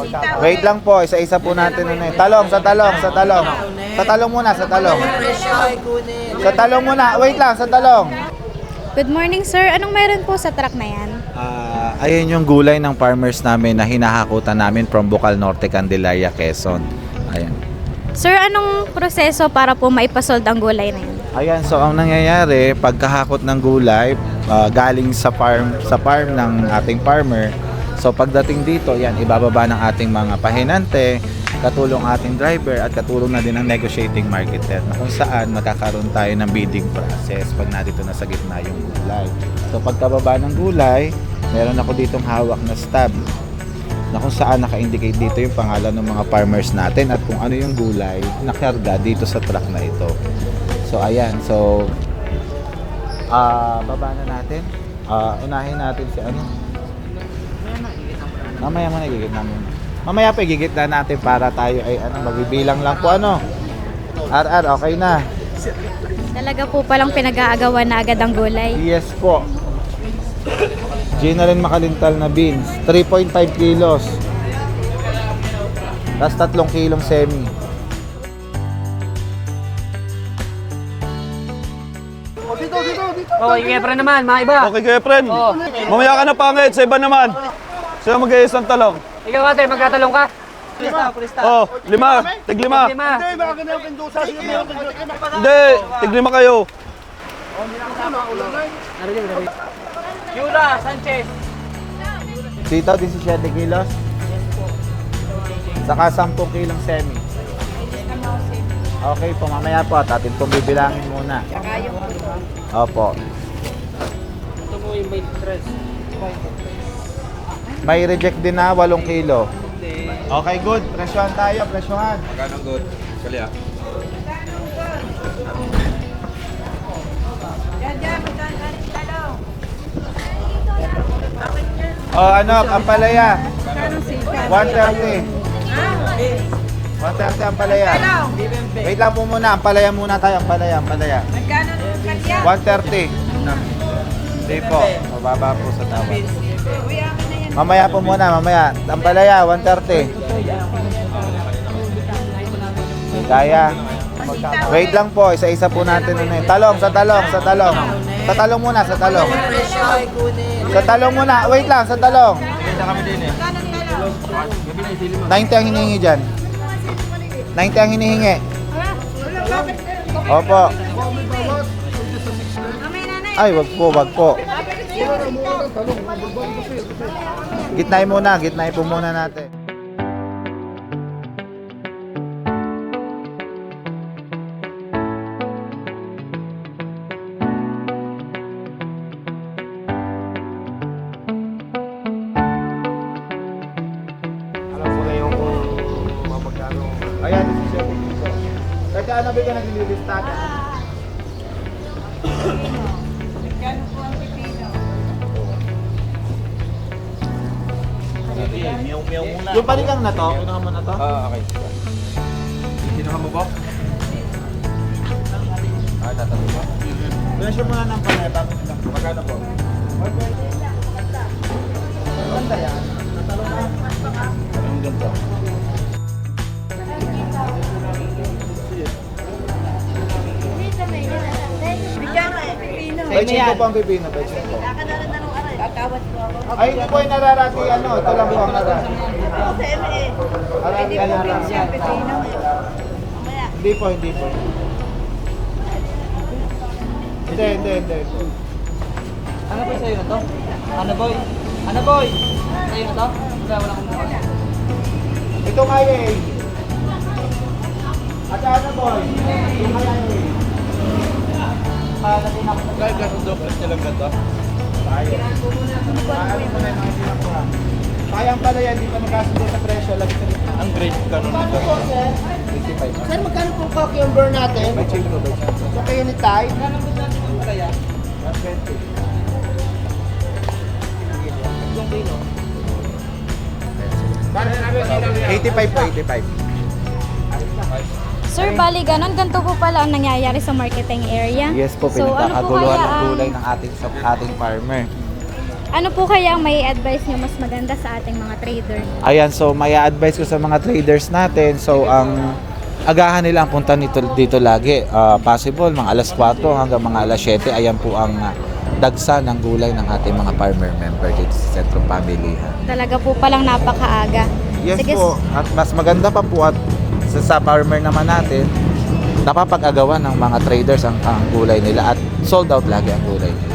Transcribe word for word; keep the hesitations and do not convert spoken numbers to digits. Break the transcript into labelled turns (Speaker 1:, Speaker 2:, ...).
Speaker 1: Wait lang po, isa-isa po natin ano eh. Talong, sa talong, sa talong. Sa talong muna, sa talong. Sa talong muna, wait lang, sa talong.
Speaker 2: Good morning, sir. Anong meron po sa truck na yan?
Speaker 1: Ah, ayun yung gulay ng farmers namin na hinahakutan namin from Bocal Norte, Candelaria, Quezon. Ayan.
Speaker 2: Sir, anong proseso para po maipasold ang gulay na yan?
Speaker 1: Ayan, so ang nangyayari, pagkahakot ng gulay, ah, galing sa farm sa farm ng ating farmer. So pagdating dito, yan ibababa ng ating mga pahinante, katulong ating driver at katulong na din ng negotiating marketer na kung saan magkakaroon tayo ng bidding process pag nandito na sa gitna yung gulay. So pagkababa ng gulay, meron ako ditong hawak na stub na kung saan naka-indicate dito yung pangalan ng mga farmers natin at kung ano yung gulay na karga dito sa truck na ito. So ayan, so ah baba na natin. Ah, unahin natin si ano. Mamaya mo nagigit namin. Mamaya pa igigit na natin para tayo ay ano, magbibilang lang po ano. R R, okay na.
Speaker 2: Talaga po palang pinag-aagawan na agad ang gulay.
Speaker 1: Yes po. Gina rin makalintal na beans, three point five kilos. Tapos tatlong kilong semi.
Speaker 3: Dito, dito, dito.
Speaker 4: Oh, yung Efren naman, mga iba.
Speaker 3: Okay kayo, friend.
Speaker 4: Oo.
Speaker 3: Mamaya ka na pangit, sa iba naman. Sino mag-iis ng talong?
Speaker 4: Ikaw ate, magtatalong ka? Pulista, pulista.
Speaker 3: Oh, lima. Tig lima.
Speaker 4: Lima.
Speaker 3: Hindi, tig lima kayo.
Speaker 4: Yula, Sanchez.
Speaker 1: Sitaw, seventeen kilos. Saka ten kilong semi. Okay po, mamaya po at atin pong bibilangin muna. Opo.
Speaker 4: Ito mo yung may stress.
Speaker 1: May reject din na eight kilo. Okay, good. Presyohan tayo, presyohan.
Speaker 3: Magkano good? Kalya.
Speaker 1: Oh, ano, ang palaya. one thirty. one thirty ang palaya. Wait lang po muna, ang palaya muna tayo, ang palaya, ang palaya. one thirty. Hindi po, mababa po sa tawad. Mamaya po muna, mamaya. Ang palaya, one thirty. Kaya. Wait lang po, isa-isa po natin ano eh. Talong, sa talong, sa talong. Sa talong muna, sa talong. Sa talong muna, wait lang, sa talong. ninety ang hinihingi dyan. ninety ang hinihingi. Opo. Ay, wag po, wag po. Gitnay muna, gitnay po muna natin. Alam ko na yung mamagkano. Ayan, seventeen piso. Kasi ano ba ka naglilistagan? Yung panigang na to, unahan mo na to?
Speaker 3: Ah, okay. Kinuha mo ba?
Speaker 1: Ah, tatalo ba? Pressure muna ng panay bago nila.
Speaker 3: Magkano po?
Speaker 1: Ganda yan. Natalo na.
Speaker 3: Anong ganito?
Speaker 1: Pechin ko po ang pipino, pechin ko. Ay, hindi po yung nararati, ano, ito lang po ang nararati. Nararati, nararati. Hindi po, hindi po. Hindi, hindi, hindi.
Speaker 4: Ano ba sa'yo na to? Ano boy? Ano boy? Sa'yo na to? Wala, wala kong mukha.
Speaker 1: Ito nga eh. At ano boy? Ito nga eh.
Speaker 3: Kahit ganun daw, kasi lang ganda.
Speaker 1: Kaya. Kaya mo na yung mga sinakuha. Kaya pala yan, hindi pa magkasundo sa presyo. Lagi sa rin.
Speaker 3: Ang grade ganun nito.
Speaker 1: fifty-five.
Speaker 5: Sir, magkano po cucumber natin?
Speaker 1: May change ko, may change ko.
Speaker 5: Sa kayo ni Tay?
Speaker 1: one twenty. eighty-five po, eighty-five.
Speaker 2: Sir, bali ganon, ganito po pala ang nangyayari sa marketing area.
Speaker 1: Yes po,
Speaker 2: So, ano po
Speaker 1: pinagkakaguluhan
Speaker 2: kaya
Speaker 1: ng
Speaker 2: ang-
Speaker 1: gulay ng ating sa ating farmer.
Speaker 2: Ano po kaya ang may advice nyo mas maganda sa ating mga trader?
Speaker 1: Ayan, so may advice ko sa mga traders natin. So ang agahan nila ang punta nito, dito lagi. Ah, possible mga alas kwatro hanggang mga alas siyete. Ayan po ang ah, dagsa ng gulay ng ating mga farmer member dito sa Sentrong Pamilihan.
Speaker 2: Talaga po palang napakaaga.
Speaker 1: Yes
Speaker 2: Sige,
Speaker 1: po. At mas maganda pa po at sa, sa farmer naman natin, napapag-agawan ng mga traders ang, ang gulay nila at sold out lagi ang gulay nila.